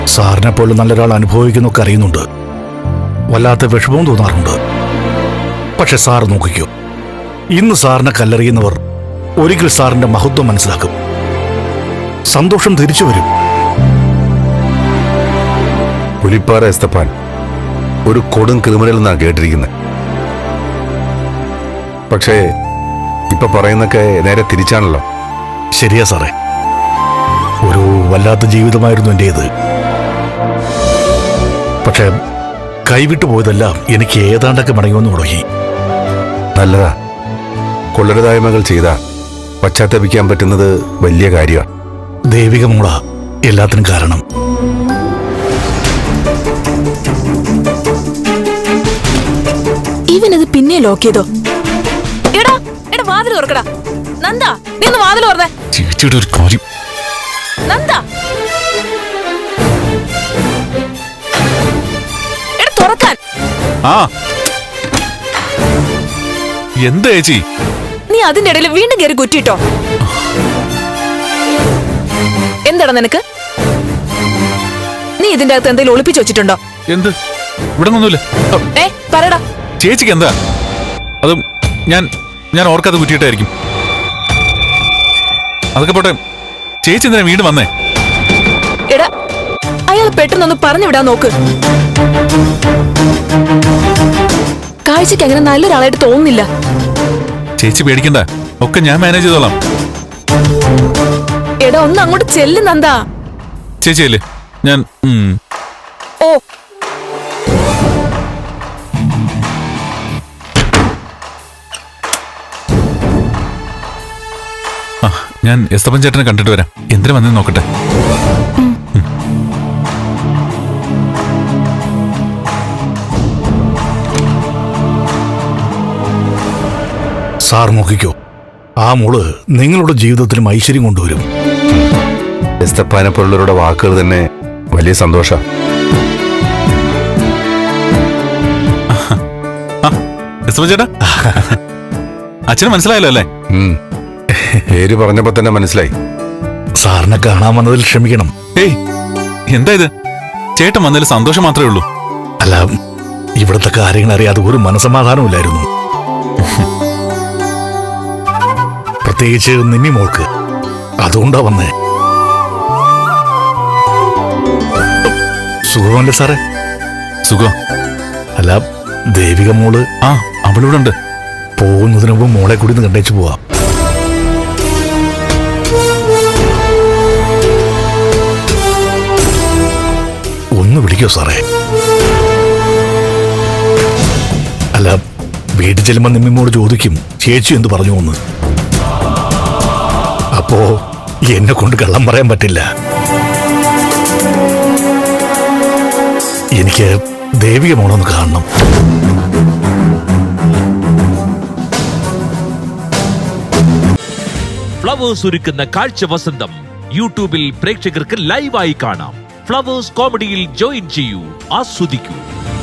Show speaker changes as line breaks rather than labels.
സാറിനെ പോലെ നല്ലൊരാൾ അനുഭവിക്കുന്നൊക്കെ അറിയുന്നുണ്ട്. വല്ലാത്ത വിഷമവും തോന്നാറുണ്ട്. പക്ഷെ സാർ നോക്കിക്കോ, ഇന്ന് സാറിനെ കല്ലെറിയുന്നവർ ഒരിക്കൽ സാറിന്റെ മഹത്വം മനസ്സിലാക്കും. സന്തോഷം തിരിച്ചു വരും.
പുലിപ്പാറ എസ്തപ്പാൻ ഒരു കൊടും ക്രിമിനൽ എന്നാ കേട്ടിരിക്കുന്നത്. പക്ഷേ ഇപ്പൊ പറയുന്നൊക്കെ നേരെ തിരിച്ചാണല്ലോ.
ശരിയാ സാറേ, ഒരു വല്ലാത്ത ജീവിതമായിരുന്നു എന്റേത്. പക്ഷെ കൈവിട്ടു പോയതെല്ലാം എനിക്ക് ഏതാണ്ടൊക്കെ മടങ്ങുമെന്ന് തുടങ്ങി.
നല്ലതാ. കൊള്ളരുതായ്മകൾ ചെയ്ത പശ്ചാത്തപിക്കാൻ പറ്റുന്നത് വലിയ കാര്യമാണ്.
ദേവിക മോള എല്ലാത്തിനും കാരണം.
ഇവനത് പിന്നെ ലോക്ക് ചെയ്തോ? എടാ എടാ വാതിൽ തുറക്കടാ. നന്ദ, നീ ഒന്ന് വാതിൽ തുറന്നേ.
ചേച്ചിയുടെ ഒരു കാര്യം.
നന്ദ, എടാ തുറക്കാൻ.
ആ എന്താ ചേച്ചി?
നീ അതിന്റെ ഇടയിൽ വീണ്ടും കയറി കുറ്റിട്ടോ. എന്താടാ നിനക്ക്? നീ ഇതിന്റെ അകത്ത് എന്തെങ്കിലും ഒളിപ്പിച്ചു വെച്ചിട്ടുണ്ടോ?
എന്ത്? ഇവിടെ ഒന്നുമില്ല.
പറയടാ.
ചേച്ചിക്ക് എന്താ? അതും ഞാൻ ഓർക്കാതെ കുറ്റിയിട്ടായിരിക്കും. അതൊക്കെ പോട്ടെ, ചേച്ചി എന്തിനാ വീണ്ടും വന്നേ?
എടാ, അയാൾ പെട്ടെന്നൊന്ന് പറഞ്ഞു വിടാൻ നോക്ക്. കാഴ്ചക്ക് അങ്ങനെ നല്ലൊരാളായിട്ട് തോന്നുന്നില്ല.
ചേച്ചി പേടിക്കണ്ട, ഒക്കെ ഞാൻ മാനേജ് ചെയ്തോളാം.
എടാ ഒന്ന് അങ്ങോട്ട് ചെല്ലുന്നെന്താ?
ചേച്ചിയല്ലേ ഞാൻ.
ഓ
ഞാൻ എസ്തപ്പൻ ചേട്ടനെ കണ്ടിട്ട് വരാം. എന്തിനാ വന്നെന്ന് നോക്കട്ടെ.
സാർ നോക്കിക്കോ, ആ മോള് നിങ്ങളുടെ ജീവിതത്തിലും ഐശ്വര്യം കൊണ്ടുവരും.
എസ്തപ്പാനെ പോലുള്ളവരുടെ വാക്കുകൾ തന്നെ വലിയ സന്തോഷ.
എസ്തപ്പൻ ചേട്ടാ, അച്ഛന് മനസ്സിലായല്ലോ അല്ലേ?
പേര് പറഞ്ഞപ്പോ തന്നെ മനസ്സിലായി.
സാറിനെ കാണാൻ വന്നതിൽ ക്ഷമിക്കണം.
ഏയ് എന്താ ഇത്? ചേട്ടൻ വന്നതിൽ സന്തോഷം മാത്രമേ ഉള്ളൂ.
അല്ല, ഇവിടുത്തെ കാര്യങ്ങൾ അറിയാതെ ഒരു മനസമാധാനമില്ലായിരുന്നു. പ്രത്യേകിച്ച് നിമ്മി മോൾക്ക്. അതുകൊണ്ടാ വന്നേ. സുഖമല്ലേ സാറേ?
സുഖം.
അല്ല, ദേവിക മോള്?
ആ, അവളിവിടെ ഉണ്ട്.
പോകുന്നതിന് മുമ്പ് മോളെ കൂടി ഒന്ന് കണ്ടേച്ചു പോവാം. ഒന്ന് വിളിക്കോ സാറേ? അല്ല, വീട്ടിൽ ചെല്ലുമ്പോ നിമ്മിമോട് ചോദിക്കും ചേച്ചി എന്ത് പറഞ്ഞു എന്ന്. അപ്പോ എന്നെ കൊണ്ട് കള്ളം പറയാൻ പറ്റില്ല. എനിക്ക് ദേവിക മോളൊന്ന് കാണണം.
ഫ്ലവേഴ്സ് ഒരുക്കുന്ന കാഴ്ച വസന്തം യൂട്യൂബിൽ പ്രേക്ഷകർക്ക് ലൈവായി കാണാം. ഫ്ലവേഴ്സ് കോമഡിയിൽ ജോയിൻ ചെയ്യൂ, ആസ്വദിക്കൂ.